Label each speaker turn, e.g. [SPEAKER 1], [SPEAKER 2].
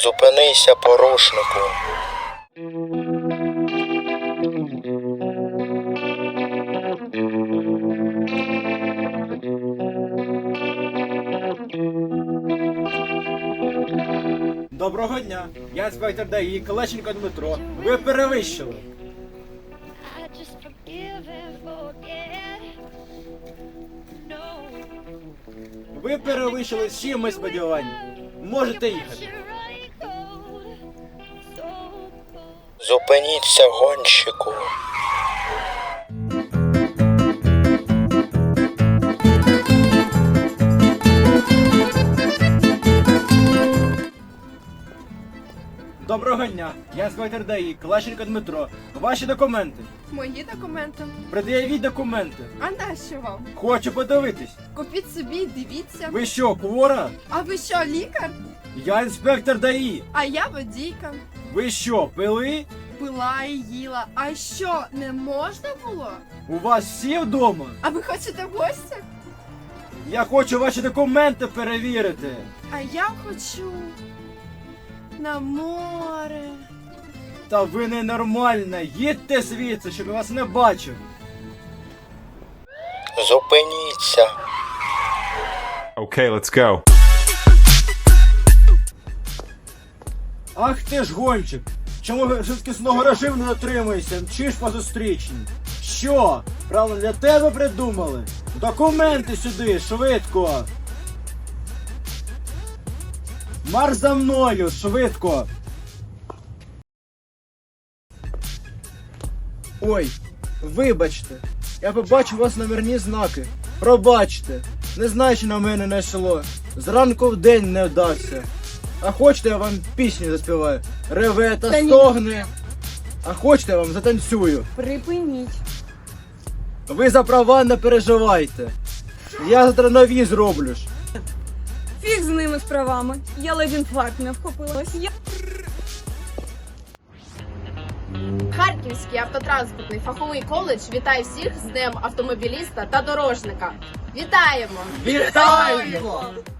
[SPEAKER 1] Зупинися, порушнику.
[SPEAKER 2] Доброго дня, я інспектор ДАІ Калещенко Дмитро. Ви перевищили. Ви перевищили всі мої сподівання. Можете їхати.
[SPEAKER 1] Зупиніться, гонщику.
[SPEAKER 2] Доброго дня, я інспектор ДАІ Калещенко Дмитро. Ваші документи.
[SPEAKER 3] Мої документи.
[SPEAKER 2] Пред'явіть документи.
[SPEAKER 3] А нащо вам?
[SPEAKER 2] Хочу подивитись.
[SPEAKER 3] Купіть собі, дивіться.
[SPEAKER 2] Ви що, хвора?
[SPEAKER 3] А ви що, лікар?
[SPEAKER 2] Я інспектор ДАІ.
[SPEAKER 3] А я водійка.
[SPEAKER 2] Ви що, пили?
[SPEAKER 3] Пила і їла. А що, не можна було?
[SPEAKER 2] У вас всі вдома?
[SPEAKER 3] А ви хочете в гості?
[SPEAKER 2] Я хочу ваші документи перевірити.
[SPEAKER 3] А я хочу на море.
[SPEAKER 2] Та ви ненормальна, їдьте звідси, щоб я вас не бачив.
[SPEAKER 1] Зупиніться.
[SPEAKER 4] Okay, let's go.
[SPEAKER 2] Ах ти ж гонщик! Чому ви швидкісного режиму не дотримуєшся? Мчиш по зустрічній? Що? Правильно для тебе придумали? Документи сюди, швидко! Марш за мною, швидко! Ой, вибачте, я побачив у вас номерні знаки. Пробачте, не знаю, що на мене не йшло. Зранку в день не вдався. А хочете, я вам пісню заспіваю? Реве та стогне. А хочете, я вам затанцюю?
[SPEAKER 5] Припиніть.
[SPEAKER 2] Ви за права не переживайте. Я завтра нові зроблю ж.
[SPEAKER 5] Фіг з ними з правами. Я ледь інфаркт не вхопилась.
[SPEAKER 6] Харківський автотранспортний фаховий коледж вітає всіх з Днем автомобіліста та дорожника. Вітаємо!
[SPEAKER 2] Вітаємо!